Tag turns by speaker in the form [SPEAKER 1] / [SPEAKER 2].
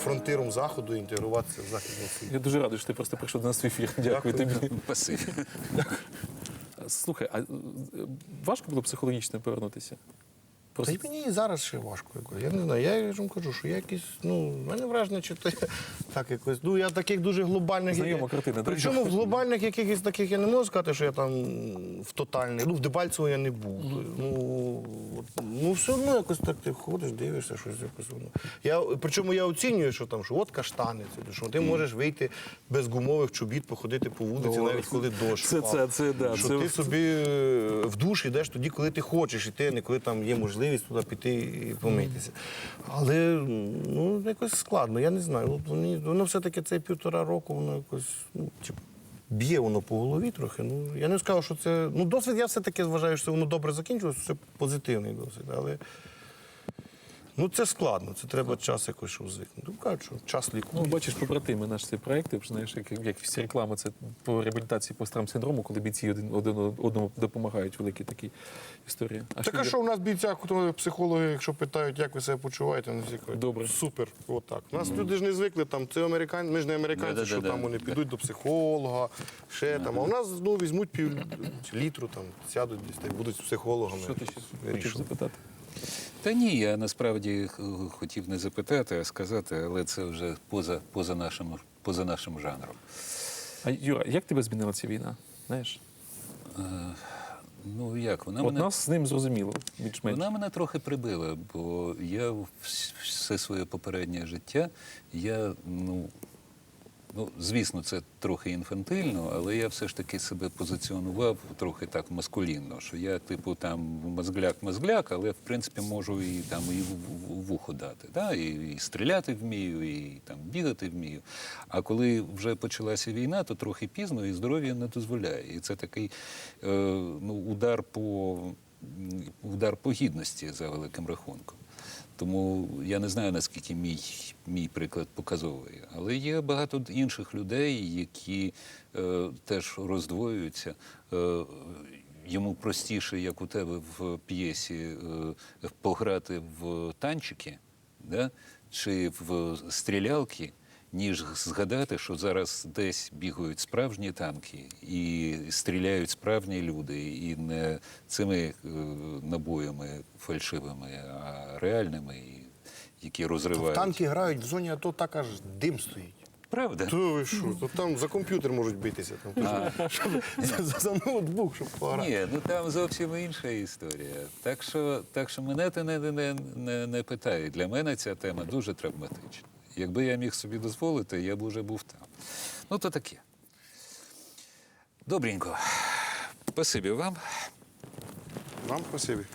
[SPEAKER 1] фронтиром Заходу, інтегруватися в Західний світ.
[SPEAKER 2] Я дуже радий, що ти просто прийшов до нас в ефір. Дякую тобі.
[SPEAKER 3] Спасибі.
[SPEAKER 2] Слухай, а важко було психологічно повернутися?
[SPEAKER 1] Та й мені і зараз ще важко. Я не знаю, я ж вам кажу, що я якийсь, в мене враження, чи то я так якось, я таких дуже глобальних...
[SPEAKER 2] Знайома картина.
[SPEAKER 1] Причому в глобальних якихось таких я не можу сказати, що я там в тотальних, в Дебальцево я не був. Все одно якось так ти ходиш, дивишся, щось якось воно. Причому я оцінюю, що там, що от каштани, що ти можеш вийти без гумових чобіт, походити по вулиці, навіть коли дощ впав. Що ти собі в душ йдеш тоді, коли ти хочеш іти, а не коли там є можливість туди піти і помитися. Але, якось складно, я не знаю. Воно все-таки цей 1,5 року, воно якось, б'є воно по голові трохи. Я не скажу, що це... досвід я все-таки вважаю, що воно добре закінчилося, це позитивний досвід, але... це складно, це треба час якось, щоб звикнути. Кажуть, що час лікує.
[SPEAKER 2] Бачиш, побратими наші ці проекти, знаєш, як всі реклами, це по реабілітації посттравм-синдрому, коли бійці один одному допомагають, великі такі історії.
[SPEAKER 1] Так, а що у нас бійця, психологи, якщо питають, як ви себе почуваєте, вони всі кажуть,
[SPEAKER 2] добре.
[SPEAKER 1] Супер, отак. У нас люди ж не звикли, це американці, ми ж не американці, що там вони підуть до психолога, ще там. А у нас візьмуть пів-літру, сядуть десь, будуть з психологами.
[SPEAKER 2] Що ти ще хочеш запитати?
[SPEAKER 3] Та ні, я насправді хотів не запитати, а сказати, але це вже поза нашим жанром.
[SPEAKER 2] А, Юра, як тебе змінила ця війна? Знаєш?
[SPEAKER 3] Як?
[SPEAKER 2] Нас з ним зрозуміло, більш-менш.
[SPEAKER 3] Вона мене трохи прибила, бо я все своє попереднє життя, звісно, це трохи інфантильно, але я все ж таки себе позиціонував трохи так маскулінно, що я, там мозгляк, але, в принципі, можу і в вухо дати. Да? І стріляти вмію, і бігати вмію. А коли вже почалася війна, то трохи пізно, і здоров'я не дозволяє. І це такий удар по гідності, за великим рахунком. Тому я не знаю, наскільки мій приклад показовий. Але є багато інших людей, які теж роздвоюються. Йому простіше, як у тебе в п'єсі, пограти в танчики, да? Чи в стрілялки, ніж згадати, що зараз десь бігають справжні танки і стріляють справжні люди, і не цими набоями фальшивими, а реальними, які розривають.
[SPEAKER 1] Танки грають в зоні АТО, так аж дим стоїть.
[SPEAKER 3] Правда?
[SPEAKER 1] То ви що? Там за комп'ютер можуть битися. За ноутбук, щоб пограти.
[SPEAKER 3] Ні, там зовсім інша історія. Так що мене це не питають. Для мене ця тема дуже травматична. Якби я міг собі дозволити, я б уже був там. То таке. Добренько. Спасибі вам.
[SPEAKER 1] Вам спасибі.